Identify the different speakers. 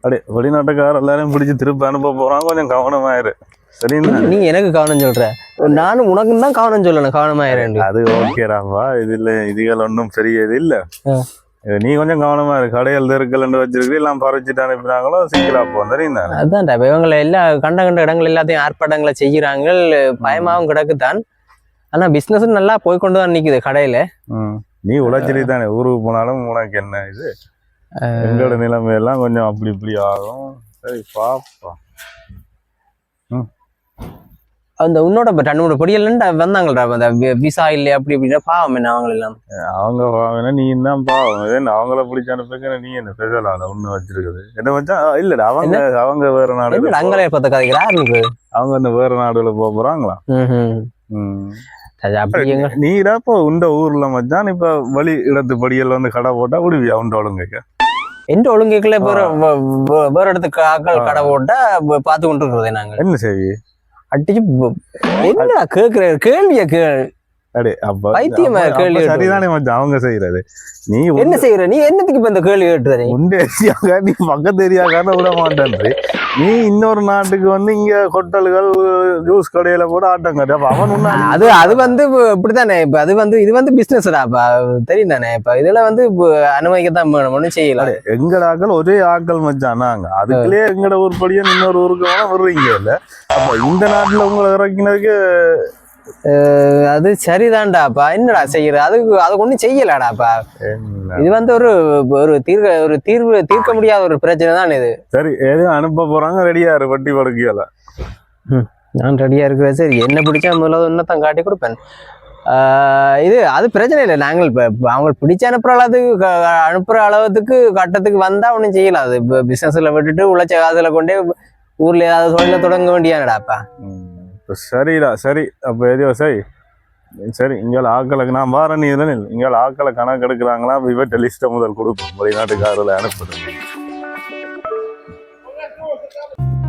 Speaker 1: அப்படியே வெளிநாட்டுக்கார எல்லாரையும் பிடிச்சி திருப்பி அனுப்ப போறான், கொஞ்சம் கவனமாயிரு. சரிங்களா?
Speaker 2: நீ எனக்கு கவனம் சொல்ற, நானும் உனக்கு தான் கவனம் சொல்லணும், கவனமாயிரேன்.
Speaker 1: அது ஓகேடாப்பா, இதுகள் ஒன்றும் பெரிய இது இல்ல. நீ கொஞ்சம் கவனமா இருக்கு. கடையில் தெருக்கல் வச்சிருக்கு, எல்லாம் பறிச்சுட்டு அனுப்பினாங்களோ சிக்கலா போகும். சரிங்களா?
Speaker 2: அதுதான் இவங்களை எல்லா கண்ட இடங்கள் எல்லாத்தையும் ஆர்ப்பாட்டங்களை செய்யறாங்க, பயமாவும் கிடக்குதான். ஆனா பிசினஸ் நல்லா போய்கொண்டு தான் நிக்குது கடையில.
Speaker 1: நீ உழைச்சிட்டு தானே ஊருக்கு போனாலும் உனக்கு என்ன இது, எங்களோட நிலைமையெல்லாம் கொஞ்சம் அப்படி இப்படி ஆகும். சரி பாப்பா.
Speaker 2: அந்த உன்னோட ரெண்டு பொடியல் வந்தாங்கடா, அந்த விசா இல்லை அப்படி இப்படின்னா பாவம் என்ன அவங்க எல்லாம்.
Speaker 1: அவங்க பாவம், நீ தான் பாவம். அவங்கள பிடிச்ச அனுப்புங்க. நீ என்ன ஸ்பெஷலான ஒண்ணு வச்சிருக்குது என்ன வச்சா? இல்லடா, அவங்க வேற நாடு,
Speaker 2: அங்கே பார்த்த கதைக்கிறா இருக்கு.
Speaker 1: அவங்க இந்த வேற நாடுல போறாங்களா? நீடா இப்போ இந்த ஊர்ல மச்சான், இப்ப வழி இடத்து படியல் வந்து கடை போட்டா விடுவியா? உண்ட ஒழுங்கைக்க
Speaker 2: எந்த ஒழுங்குக்குள்ள வேற இடத்துக்கு ஆக்கள் கடை போட்டா பார்த்து கொண்டு இருக்கிறதே நாங்க
Speaker 1: என்ன செய்வி
Speaker 2: அடிச்சு என்ன கேக்குற கேள்விய கேள்.
Speaker 1: சரிதானே மச்சான் அவங்க செய்யறது. நீ
Speaker 2: என்ன செய்யற? நீ என்னத்துக்கு இப்ப இந்த கேள்வி கேட்டுற?
Speaker 1: நீ பக்கத்து ஏரியாக்கான விட மாட்டேன். நீ இன்னொரு நாட்டுக்கு வந்து இங்க ஹோட்டல்கள் ஜூஸ் கடையில கூட ஆட்டம் கட்டு. அவன்
Speaker 2: அது வந்து இப்படித்தானே. இப்ப இது வந்து பிசினஸ்டா தெரியும் தானே. இப்ப இதுல வந்து அனுமதிக்கத்தான் வேணும், ஒன்னும் செய்யலாம்.
Speaker 1: எங்கட ஆக்கள் ஒரே ஆக்கள் மச்சான். நாங்க அதுக்குள்ளே எங்கட ஊர்படியும் இன்னொரு ஊருக்கு வேணா வருவீங்க இல்ல. அப்ப இந்த நாட்டுல உங்களை இறக்கினதுக்கு
Speaker 2: அது சரிதான்டாப்பா. என்னடா செய்யற? அதுக்கு ஒண்ணும் செய்யலாடாப்பா. இது வந்து ஒரு தீர்வு தீர்க்க முடியாத ஒரு பிரச்சனை தான் இது.
Speaker 1: சரி, எதுவும் அனுப்ப போறாங்க, ரெடியா இரு. வட்டி படுக்கையில
Speaker 2: நான் ரெடியா இருக்கிறேன். சரி, என்ன பிடிச்சா முதல்ல ஒன்னதான் காட்டி கொடுப்பேன். அது பிரச்சனை இல்லை. நாங்கள் இப்ப அவங்க பிடிச்ச அனுப்புற அளவுக்கு கட்டத்துக்கு வந்தா ஒன்னும் செய்யலாம். அது இப்ப பிசினஸ்ல விட்டுட்டு உழைச்ச காசுல கொண்டே ஊர்ல ஏதாவது தொழில தொடங்க வேண்டியானடாப்பா.
Speaker 1: சரிடா, சரி. அப்போ எதையோ சரி சரி. இங்கே ஆக்களுக்கு நான் வார நீ இல்லை, இங்கே ஆக்களை கணக்கு எடுக்கிறாங்களா? இவட்ட லிஸ்ட்டை முதல் கொடுப்போம், வெளிநாட்டுக்காரில் அனுப்புறது.